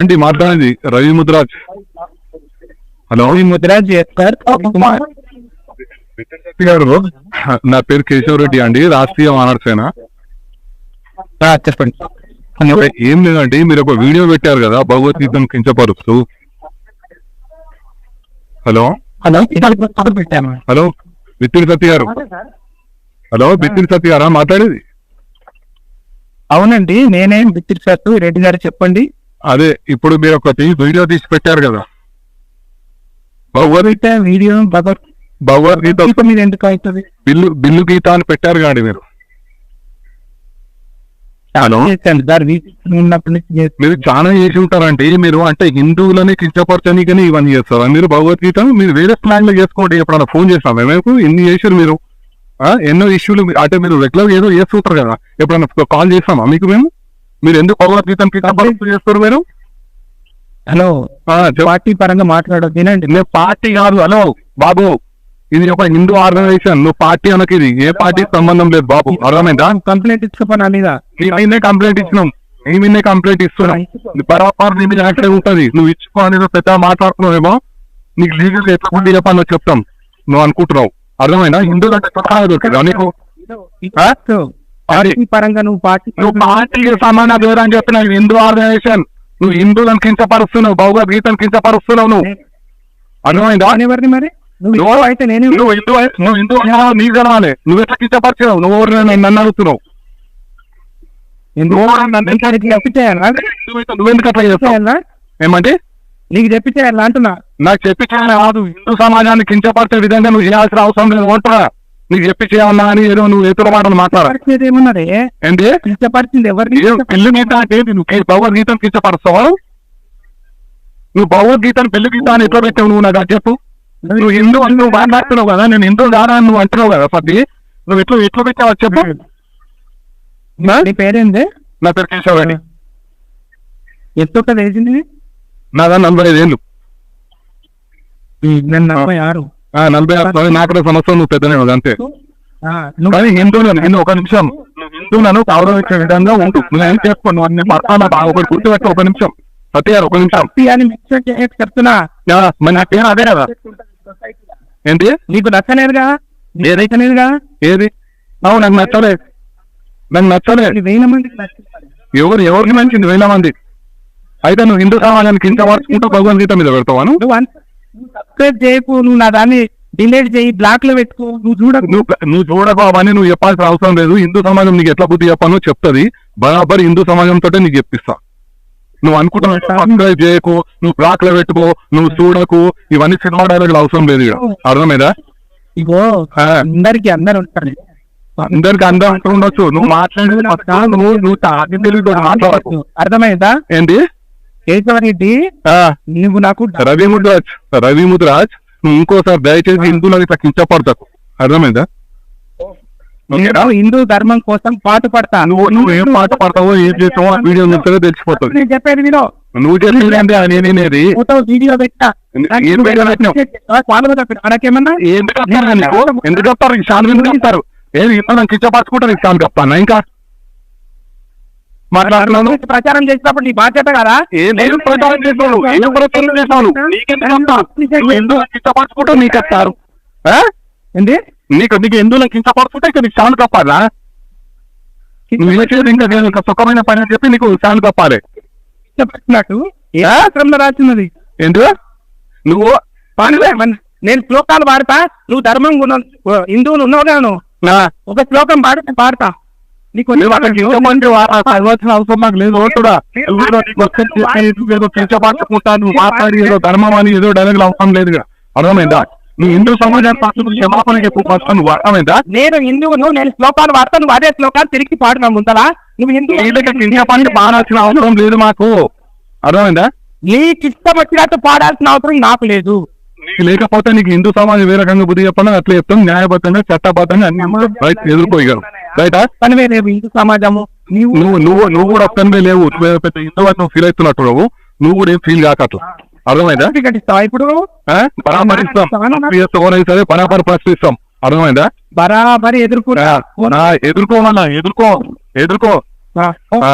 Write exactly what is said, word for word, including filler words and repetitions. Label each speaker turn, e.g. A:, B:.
A: ఏంటి మాట్లాడేది? రవి ముద్రాజ్. హలో
B: ముద్రాజ్
A: గారు, నా పేరు కేశవ్ రెడ్డి అండి, రాష్ట్రీయ మానవ సేన.
B: చెప్పండి.
A: ఏం లేదండి, మీరు ఒక వీడియో పెట్టారు కదా భగవద్గీతను కించపరుస్తూ. హలో
B: హలో పెట్టాను.
A: హలో బిత్తిరి సత్య గారు. హలో బిత్తిరి సత్య గారా మాట్లాడేది?
B: అవునండి, నేనేం బిత్తిరి సత్తు రెడ్డి గారు, చెప్పండి.
A: అదే ఇప్పుడు మీరు ఒకటి వీడియో తీసి పెట్టారు కదా భగవద్గీత
B: వీడియో
A: భగవద్గీత
B: మీద ఎందుకు అవుతుంది?
A: బిల్లు బిల్లు గీత అని పెట్టారు కాండి మీరు. మీరు చాలా చేసి ఉంటారంటే మీరు అంటే హిందువులని కించపరచనికని ఇవన్నీ చేస్తారా మీరు? భగవద్గీత మీరు వేరే ప్లాన్ లో చేసుకోండి. ఎప్పుడన్నా ఫోన్ చేస్తాం మేము ఎన్ని చేసారు మీరు? ఎన్నో ఇష్యూలు అంటే మీరు రెగ్యులర్ ఏదో చేస్తుంటారు కదా, ఎప్పుడన్నా కాల్ చేస్తామా మీకు మేము? మీరు ఎందుకు భగవద్గీతను కించపరుస్తూ చేస్తారు మీరు?
B: హలో పార్టీ పరంగా మాట్లాడదు తినండి.
A: నేను పార్టీ కాదు. హలో బాబు, ఇది ఒక హిందూ ఆర్గనైజేషన్, నువ్వు పార్టీ అనకి. ఇది ఏ పార్టీ సంబంధం లేదు బాబు, అర్థమైందా?
B: కంప్లైంట్ ఇచ్చుకోపని మీద
A: నేనే కంప్లైంట్ ఇచ్చినాం, మేమే కంప్లైంట్ ఇస్తున్నాం. బరాబర్ నీ మీద యాక్టివ్ ఉంటుంది. నువ్వు ఇచ్చుకో అనేది పెద్ద మాట్లాడుతున్నావేమో, నీకు లీగల్ ఎట్లా గుడ్డి చెప్పాలో చెప్తాం. నువ్వు అనుకుంటున్నావు, అర్థమైనా? హిందువులు అంటే దొరికిదా నీకు?
B: పరంగా నువ్వు పార్టీ
A: నువ్వు పార్టీకి సమాన దూరం అని చెప్పిన హిందూ ఆర్గనైజేషన్. నువ్వు హిందువులను కించపరుస్తున్నావు, భగవద్గీతను కించపరుస్తున్నావు. నువ్వు అర్థమైందా?
B: ఎవరిని మరి నువ్వు అయితే నేను
A: నువ్వు హిందూ నువ్వు హిందూ నీకు కలవాలి. నువ్వు ఎట్లా కించపరిచావు? నువ్వు ఎవరు నన్ను అడుగుతున్నావు? నువ్వెందుకు అట్లా చేస్తావు? ఏమంటే
B: నీకు చెప్పించేయాలి అంటున్నా.
A: నాకు చెప్పి చేయాలి కాదు, హిందూ సమాజాన్ని కించపరిచే విధంగా నువ్వు చేయాల్సిన అవసరం లేదు. ఓటా నీకు చెప్పి చేయాలన్నా అని ఏదో నువ్వు ఎదురు మాటలు మాట్లాడేది
B: ఏమన్నారే?
A: ఏంటి
B: కించపరిచింది ఎవరిని?
A: పెళ్లి గీత అంటే నువ్వు భగవద్గీతను కించపరుస్తావా? నువ్వు భగవద్గీతను పెళ్లి గీత అని ఎట్లా పెట్టావు? నువ్వు నాకు చెప్పు. నువ్వు హిందూ అని నువ్వు మాట్లాడుతున్నావు కదా, నేను హిందూ కాదా అని నువ్వు అంటున్నావు కదా. పది నువ్వు ఎట్లా ఎట్లా పెట్టావు చెప్పు.
B: నీ పేరేంది?
A: నా పేరు కేశవ్ రెడ్డి.
B: ఎంత వేసింది?
A: నాదా నలభై ఐదు ఏళ్ళు.
B: నలభై ఆరు
A: నలభై ఆరు నాకు సంవత్సరం. నువ్వు పెద్దనే కదా అంతే. కానీ హిందువులను నేను ఒక నిమిషం నువ్వు హిందువులను గౌరవించే విధంగా ఉండు. నువ్వేం చేసుకో, నువ్వు అన్ని పడతాను ఒకటి గుర్తుపెట్టు. ఒక నిమిషం సత్య గారు, ఒక నిమిషం
B: చెప్తున్నా.
A: మరి నా పేరు అదే కదా. ఏంటి
B: నీకు నచ్చలేదుగా? ఏదైతేనేదిగా.
A: ఏది? అవును, నాకు నచ్చలేదు, నాకు నచ్చలేదు.
B: వేల మందికి
A: ఎవరు ఎవరికి నచ్చింది? వేల మంది. అయితే నువ్వు హిందూ సమాజానికి కింద మార్చుకుంటూ భగవద్గీత మీద పెడతావాను?
B: నువ్వు సబ్స్క్రైబ్ చేయకు, నువ్వు నా దాన్ని డిలీట్ చేయి, బ్లాక్ లో పెట్టుకో. నువ్వు చూడకు,
A: నువ్వు నువ్వు చూడకు అవన్నీ నువ్వు చెప్పాల్సిన అవసరం లేదు. హిందూ సమాజం నీకు ఎట్లా బుద్ధి చెప్పానో చెప్తుంది. బరాబర్ హిందూ సమాజంతో నీకు చెప్పిస్తా. నువ్వు అనుకుంటున్నావు సబ్స్క్రైబ్ చేయకు, నువ్వు బ్లాక్ లో పెట్టుకో, నువ్వు చూడకు, ఇవన్నీ సినిమా డైలాగులు అవసరం లేదు. ఇక్కడ అర్థమైందా?
B: ఇగో అందరికి అందరు ఉంటారు,
A: అందరికి అందరూ అంటూ ఉండొచ్చు. నువ్వు మాట్లాడేది నువ్వు నువ్వు తాగి తెలుగు మాట్లాడకు.
B: అర్థమైందా?
A: ఏంటి
B: కేశవరెడ్డి, నువ్వు నాకు
A: రవి ముద్రాజ్ రవి ముద్రాజ్ నువ్వు ఇంకోసారి దయచేసి హిందువులను ఇట్లా కించపడతావు. అర్థమైందా?
B: హిందూ ధర్మం కోసం పాటు పడతా.
A: నువ్వు నువ్వు ఏం పాట పడతావో ఏం చేస్తావో ఆ వీడియో చూస్తే తెలిసిపోతుంది.
B: నేను చెప్పేది వినో.
A: నువ్వు చెప్పేది అంటే నేనేది
B: వీడియో పెట్టా. నాకేమన్నా
A: ఎందుకు చెప్తారు? ఈ శాన్ ఎందుకు చెప్తారు? ఏది హిందువులను కించపరచుకుంటారు? ఈ శాన్ చెప్తాను ఇంకా మాట్లాడుతున్నాను.
B: ప్రచారం చేసినప్పుడు నీ బాధ్యత కదా.
A: ఏం ప్రచారం చేస్తావు? ఏం ప్రచారం చేస్తావు? ఎందుకు కించపరచుకుంటావు? నీకు చెప్తారు
B: ఏంటి?
A: నీకు నీకు హిందువులను కించపరచుకుంటే ఇక నీకు శాన్ తప్పాలా? నువ్వు చేసేది ఇంకా నేను ఒక సుఖమైన పని అని చెప్పి నీకు శాన్ తప్పాలి.
B: చెప్పినట్టు ఏ ఆశ్రమంలో రాసినది?
A: ఏంటి నువ్వు
B: నేను శ్లోకాలు పాడతా, నువ్వు ధర్మం హిందువులు ఉన్నావు. ఒక శ్లోకం పాడితే పాడతా. నీకు
A: అవ్వాల్సిన అవసరం నాకు లేదు. ఏదో కించపరచుకుంటా నువ్వు మాట్లాడి ఏదో ధర్మం అని ఏదో డైలాగులు అవసరం లేదు. అర్థమైందా? నువ్వు హిందూ సమాజాన్ని క్షమాపణ చెప్పు. నువ్వు అర్థమైందా?
B: నేను హిందువును, నేను శ్లోకాలు వాడతా, నువ్వు అదే శ్లోకాలు తిరిగి పాడున్నా ముందలా. నువ్వు హిందూ
A: కించపడి పాడాల్సిన అవసరం లేదు మాకు. అర్థమైందా?
B: నీకు ఇష్టం వచ్చినట్టు పాడాల్సిన అవసరం నాకు లేదు.
A: నీకు లేకపోతే నీకు హిందూ సమాజం ఏ రకంగా బుద్ధి చెప్పాలని అట్లా చెప్తాం. న్యాయబద్ధంగా చట్టబద్ధంగా అన్ని రైట్ ఎదుర్కోగలరు. రైటా?
B: పనివే లేవు హిందూ సమాజము.
A: నువ్వు నువ్వు నువ్వు కూడా ఒక్కనివే లేవు. పెద్ద హిందూ నువ్వు ఫీల్ అవుతున్నట్టు నువ్వు నువ్వు కూడా ఏం ఫీల్ కాక అట్లా. అర్థమైందా?
B: ఇప్పుడు
A: పరామరిస్తాం సరే, పరాపర ప్రశ్నిస్తాం. అర్థమైందా?
B: బరాబరి ఎదుర్కొన్నా
A: ఎదుర్కోమన్నా ఎదుర్కో ఎదుర్కో